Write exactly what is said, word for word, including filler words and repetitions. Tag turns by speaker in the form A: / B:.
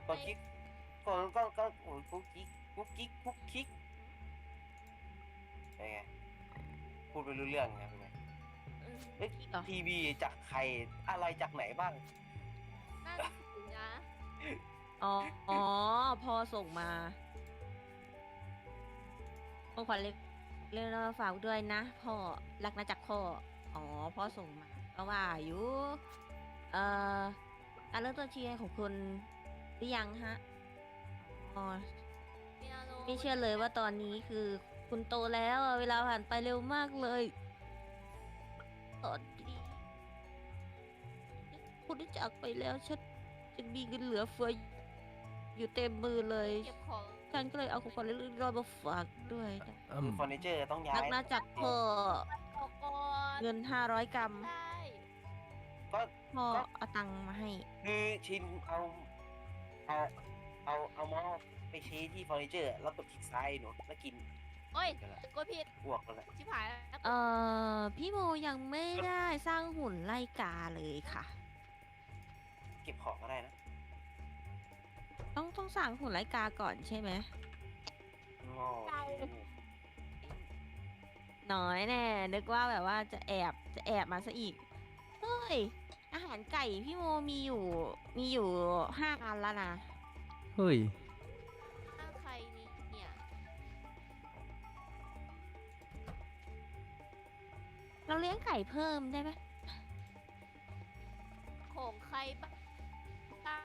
A: กดคลิกกดก็ก็โอ้ยกุ๊กกิ๊กกุ๊กกิ๊กกุ๊กกิ๊กเป็นไงพูดไปรู้เรื่องไงเป็นไง
B: เออ
A: เอ๊ะ
B: พี่เหรอ
A: ทีวีจากใครอะไรจากไหนบ้าง
B: นั่นสินะ
C: อ๋ออ๋อพ่อส่งมาของขวัญเล็กเรื่องมาฝากด้วยนะพ่อรักนะจากพ่ออ๋อพ่อส่งมาก็ว่าอยู่เอ่อการเริ่มต้นชีวิตของคุณหรือยังฮะอ๋อ
B: เปียโน
C: ไม่เชื่อเลยว่าตอนนี้คือคุณโตแล้วอะเวลาผ่านไปเร็วมากเลยตอนนี้คุณได้จากไปแล้วฉันจะมีเงินเหลือเฟืออยู่เต็มมือเลย
B: เก็บของ
C: ฉันก็เลยเอาของขวัญเล็กๆน้อยๆมาฝากด้วยนะ
D: อื
A: คือ
D: ม
A: เฟอร์นิเจอร์ต้องย้า
C: รัก
A: ย
C: นะจากพ่อ
B: ออกก่อน
C: เงินห้าร้อยกรัม
B: ได้
A: ก็
C: พ่อเอาตังค์มาให้
A: คือชินเอาเอาเอาเอาเมาส์ไปชี้ที่เฟอร์นิเจอร์แล้วกดคลิกซ้ายหนูแล้วกิน
B: โอ้ย
A: กันละ
B: กดผิด
A: อ้วกกันละ
B: ชิบหายแล้ว
C: เอ่อ พี่โมยังไม่ได้สร้างหุ่นไล่กาเลยค่ะ
A: เก็บของก็ได้นะ
C: ต้องต้องสร้างหุ่นไล่กาก่อนใช่ไหม
A: งอ
C: น้อยแน่นึกว่าแบบว่าจะแอบจะแอบมาซะอีก เฮ้ย อาหารไก่พี่โมมีอยู่มีอยู่ห้าอันแล้วนะ
D: เฮ้ย
B: หน้าใครนี่เนี่ย
C: เราเลี้ยงไก่เพิ่มได้ไหม
B: ของใครบ้